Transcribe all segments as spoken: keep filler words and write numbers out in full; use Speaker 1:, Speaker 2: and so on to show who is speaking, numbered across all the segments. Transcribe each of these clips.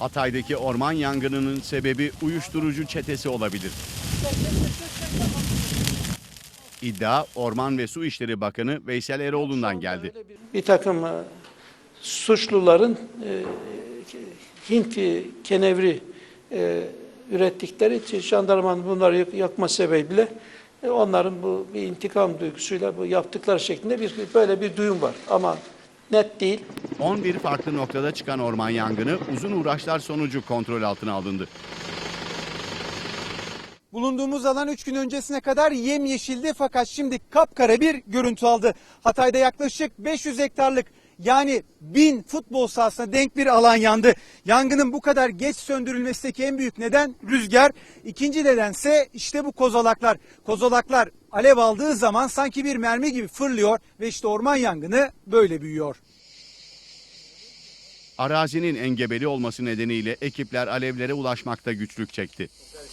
Speaker 1: Hatay'daki orman yangınının sebebi uyuşturucu çetesi olabilir. İddia Orman ve Su İşleri Bakanı Veysel Eroğlu'ndan geldi.
Speaker 2: Bir takım e, suçluların e, Hint kenevri e, ürettikleri için jandarmanın bunları yakma sebebiyle e, onların bu bir intikam duygusuyla bu yaptıkları şeklinde bir böyle bir duyum var ama net değil.
Speaker 1: on bir farklı noktada çıkan orman yangını uzun uğraşlar sonucu kontrol altına alındı.
Speaker 3: Bulunduğumuz alan üç gün öncesine kadar yemyeşildi fakat şimdi kapkara bir görüntü aldı. Hatay'da yaklaşık beş yüz hektarlık yani bin futbol sahasına denk bir alan yandı. Yangının bu kadar geç söndürülmesindeki en büyük neden rüzgar. İkinci nedense işte bu kozalaklar. Kozalaklar alev aldığı zaman sanki bir mermi gibi fırlıyor ve işte orman yangını böyle büyüyor.
Speaker 1: Arazinin engebeli olması nedeniyle ekipler alevlere ulaşmakta güçlük çekti.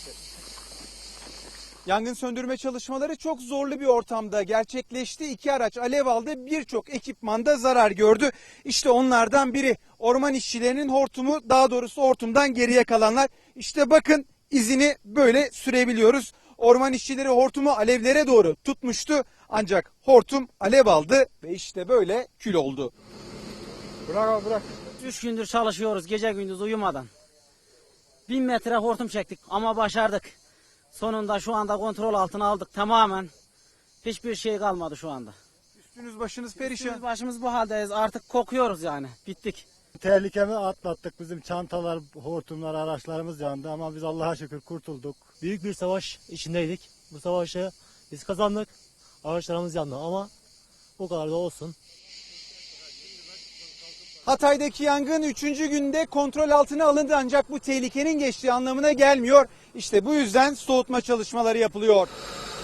Speaker 3: Yangın söndürme çalışmaları çok zorlu bir ortamda gerçekleşti. İki araç alev aldı, birçok ekipmanda zarar gördü. İşte onlardan biri orman işçilerinin hortumu, daha doğrusu hortumdan geriye kalanlar. İşte bakın izini böyle sürebiliyoruz. Orman işçileri hortumu alevlere doğru tutmuştu ancak hortum alev aldı ve işte böyle kül oldu. Bırak abi bırak.
Speaker 4: Üç gündür çalışıyoruz gece gündüz uyumadan. Bin metre hortum çektik ama başardık. Sonunda şu anda kontrol altına aldık tamamen. Hiçbir şey kalmadı şu anda.
Speaker 3: Üstünüz başınız perişan.
Speaker 4: Üstümüz başımız bu haldeyiz. Artık kokuyoruz yani. Bittik.
Speaker 5: Tehlikemi atlattık. Bizim çantalar, hortumlar, araçlarımız yandı ama biz Allah'a şükür kurtulduk.
Speaker 6: Büyük bir savaş içindeydik. Bu savaşı biz kazandık. Araçlarımız yandı ama o kadar da olsun.
Speaker 3: Hatay'daki yangın üçüncü günde kontrol altına alındı ancak bu tehlikenin geçtiği anlamına gelmiyor. İşte bu yüzden soğutma çalışmaları yapılıyor.